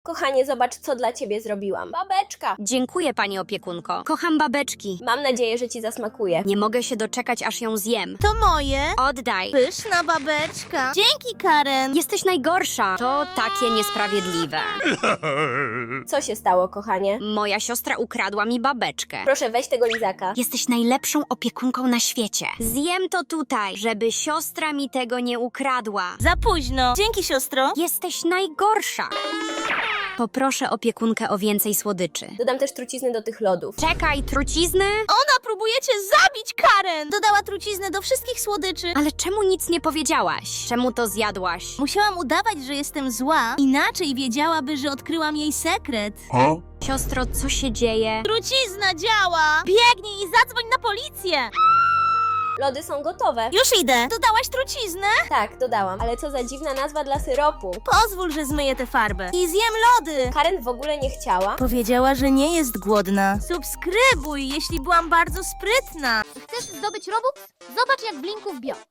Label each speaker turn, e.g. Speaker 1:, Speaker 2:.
Speaker 1: Kochanie, zobacz, co dla ciebie zrobiłam. Babeczka.
Speaker 2: Dziękuję, pani opiekunko. Kocham babeczki.
Speaker 1: Mam nadzieję, że ci zasmakuje.
Speaker 2: Nie mogę się doczekać, aż ją zjem.
Speaker 3: To moje.
Speaker 2: Oddaj.
Speaker 3: Pyszna babeczka. Dzięki, Karen.
Speaker 2: Jesteś najgorsza. To takie niesprawiedliwe.
Speaker 1: Co się stało, kochanie?
Speaker 2: Moja siostra ukradła mi babeczkę.
Speaker 1: Proszę, weź tego lizaka.
Speaker 2: Jesteś najlepszą opiekunką na świecie. Zjem to tutaj, żeby siostra mi tego nie ukradła.
Speaker 3: Za późno. Dzięki, siostro.
Speaker 2: Jesteś najgorsza. Poproszę opiekunkę o więcej słodyczy.
Speaker 1: Dodam też trucizny do tych lodów.
Speaker 2: Czekaj, trucizny?
Speaker 3: Ona próbuje cię zabić, Karen. Dodała truciznę do wszystkich słodyczy.
Speaker 2: Ale czemu nic nie powiedziałaś? Czemu to zjadłaś?
Speaker 3: Musiałam udawać, że jestem zła. Inaczej wiedziałaby, że odkryłam jej sekret.
Speaker 2: Siostro, co się dzieje?
Speaker 3: Trucizna działa. Biegnij i zadzwoń na policję.
Speaker 1: Lody są gotowe.
Speaker 3: Już idę. Dodałaś truciznę?
Speaker 1: Tak, dodałam. Ale co za dziwna nazwa dla syropu.
Speaker 3: Pozwól, że zmyję tę farbę. I zjem lody.
Speaker 1: Karen w ogóle nie chciała.
Speaker 3: Powiedziała, że nie jest głodna. Subskrybuj, jeśli byłam bardzo sprytna.
Speaker 4: Chcesz zdobyć Robux? Zobacz, jak w linku w bio.